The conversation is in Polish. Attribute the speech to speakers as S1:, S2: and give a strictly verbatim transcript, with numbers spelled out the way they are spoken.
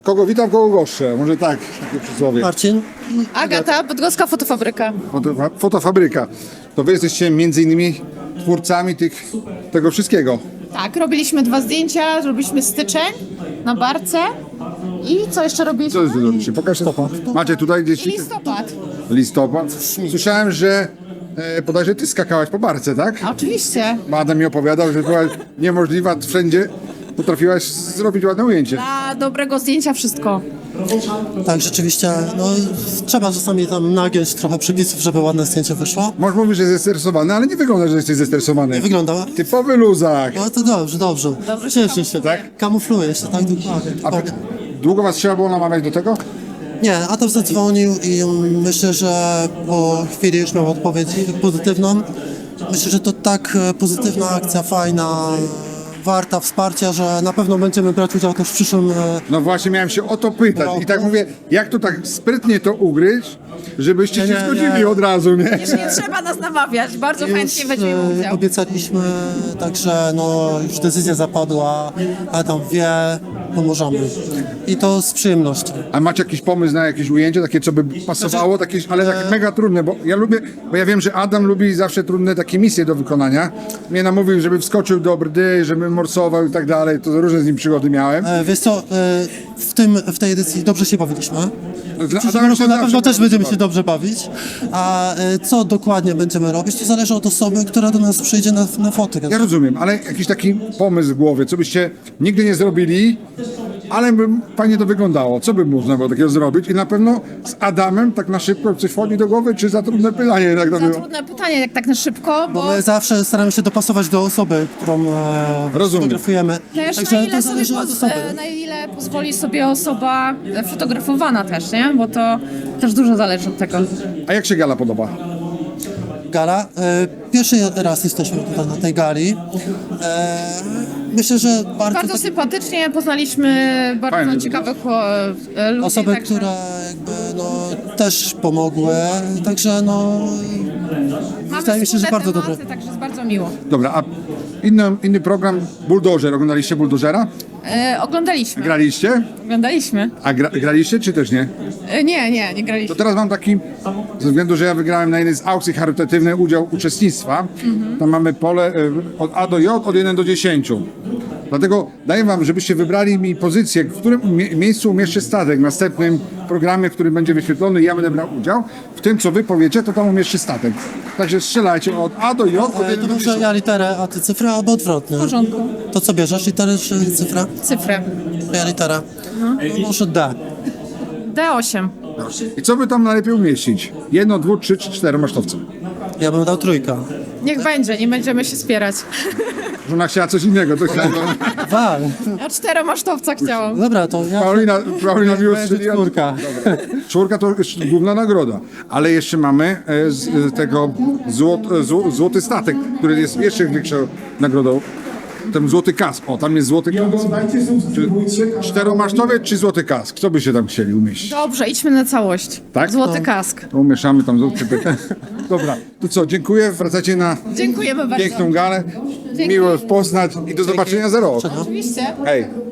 S1: Kogo witam, kogo goszczę. Może tak, takie przysłowie.
S2: Marcin?
S3: Agata, Bydgoska Fotofabryka.
S1: Fotofa- Fotofabryka. To wy jesteście między innymi twórcami tych, tego wszystkiego.
S3: Tak, robiliśmy dwa zdjęcia, robiliśmy styczeń na barce i co jeszcze
S1: Co
S3: robiliśmy?
S1: wy robicie? Pokaż to. Macie tutaj
S3: I
S1: gdzieś
S3: listopad.
S1: listopad. Słyszałem, że e, bodajże ty skakałaś po barce, tak?
S3: Oczywiście.
S1: Bo Adam mi opowiadał, że była niemożliwa wszędzie. Potrafiłaś zrobić ładne ujęcie.
S3: Dla dobrego zdjęcia wszystko.
S2: Tak, rzeczywiście, no trzeba czasami tam nagiąć trochę przepisów, żeby ładne zdjęcie wyszło.
S1: Może mówisz, że jesteś zestresowany, ale nie wygląda, że jesteś zestresowany.
S2: Nie wygląda?
S1: Typowy luzak.
S2: No to dobrze, dobrze.
S3: Dobrze się
S2: Cieszę się,
S1: tak?
S2: Kamufluje się, tak, dokładnie.
S1: A
S2: dokładnie.
S1: długo was trzeba było namawiać do tego?
S2: Nie, Adam zadzwonił i myślę, że po chwili już miał odpowiedź pozytywną. Myślę, że to tak e, pozytywna akcja, fajna, warta wsparcia, że na pewno będziemy brać udział też w przyszłym e,
S1: No właśnie miałem się o to pytać i tak mówię, jak to tak sprytnie to ugryźć, żebyście
S2: Nie,
S1: się
S2: nie,
S1: zgodzili
S2: nie.
S1: od razu, nie?
S3: Nie trzeba nas namawiać, bardzo chętnie
S2: Już
S3: weźmiemy
S2: e,
S3: udział.
S2: obiecaliśmy, także no już decyzja zapadła, a tam wie, pomożemy. I to z przyjemnością.
S1: A macie jakiś pomysł na jakieś ujęcie, takie co by pasowało, takie, ale takie mega trudne, bo ja lubię, bo ja wiem, że Adam lubi zawsze trudne takie misje do wykonania. Mnie namówił, żeby wskoczył do brdy, żeby morsował i tak dalej, to różne z nim przygody miałem.
S2: E, Wiesz co, e, w, tym, w tej edycji dobrze się bawiliśmy.
S1: Dla
S2: W przyszłym
S1: Adama
S2: roku
S1: się
S2: na
S1: zawsze
S2: pewno też będziemy
S1: bawi.
S2: się dobrze bawić. A e, co dokładnie będziemy robić, to zależy od osoby, która do nas przyjdzie na, na foty.
S1: Ja rozumiem, ale jakiś taki pomysł w głowie, co byście nigdy nie zrobili, ale by fajnie to wyglądało. Co by można było takiego zrobić? I na pewno z Adamem tak na szybko coś wchodzi do głowy, czy za trudne pytanie? Jak to
S3: Za
S1: było?
S3: trudne pytanie, jak tak na szybko, bo
S2: My zawsze staramy się dopasować do osoby, którą e,
S1: Rozumiem.
S2: fotografujemy.
S3: też
S2: Także
S3: na ile,
S2: to
S3: sobie
S2: zależy od
S3: poz-
S2: osoby.
S3: e, na ile pozwoli sobie osoba e, fotografowana też, nie? Bo to też dużo zależy od tego.
S1: A jak się gala podoba?
S2: Gala. E, pierwszy raz jesteśmy tutaj na tej gali. E, myślę, że bardzo,
S3: Bardzo
S2: tak,
S3: sympatycznie poznaliśmy bardzo
S1: Fajne.
S3: ciekawych e, ludzi.
S2: osoby,
S3: także-
S2: które jakby no, też pomogły. Także no
S3: Mamy
S2: wydaje mi się, że
S3: wspólne
S2: bardzo
S3: tematy,
S2: dobre.
S3: Także jest bardzo miło.
S1: Dobra, a inny, inny program, Bulldozer. Oglądaliście Bulldozera?
S3: E, oglądaliśmy.
S1: Graliście?
S3: Oglądaliśmy.
S1: A gra, graliście, czy też nie?
S3: E, nie, nie, nie
S1: To
S3: graliśmy.
S1: teraz mam taki, ze względu, że ja wygrałem na jednej z aukcji charytatywnej udział uczestnictwa. Tam mamy pole y, od A do J, od jeden do dziesięciu. Dlatego daję wam, żebyście wybrali mi pozycję, w którym mie- miejscu umieszczę statek w następnym programie, który będzie wyświetlony i ja będę brał udział. W tym, co wy powiecie, to tam umieszczę statek. Także strzelajcie od A do J, od
S2: E,
S1: jeden
S2: to
S1: do
S2: może
S1: dziesięciu.
S2: ja literę, a ty cyfrę, albo odwrotnie.
S3: W porządku.
S2: To co bierzesz, literę czy cyfra?
S3: Cyfrę.
S2: Ja litera. No. Może D.
S3: D osiem.
S1: I co by tam najlepiej umieścić? Jedno, dwu, trzy, czy cztery masztowce?
S2: Ja bym dał trójkę.
S3: Niech będzie, nie będziemy się spierać.
S1: Żona chciała coś innego, to chciała.
S2: Dwa.
S3: Ja czteromasztowca chciałam.
S2: Dobra, to ja...
S1: Paulina, Paulina mi
S2: Będzie
S1: ustrzeliła.
S2: czwórka.
S1: Czwórka to jest główna nagroda, ale jeszcze mamy e, z e, tego złot, e, zł, złoty statek, który jest jeszcze większą nagrodą. Ten złoty kask. O, tam jest złoty kask. Czy czteromasztowiec czy złoty kask? Kto by się tam chcieli umieścić?
S3: Dobrze, idźmy na całość.
S1: Tak?
S3: Złoty kask.
S1: To umieszamy tam złoty kask. Dobra, to co, dziękuję. Wracacie na
S3: Dziękujemy bardzo.
S1: piękną galę.
S3: Dzięki.
S1: Miło poznać i do zobaczenia za rok.
S3: Oczywiście.
S1: Hej.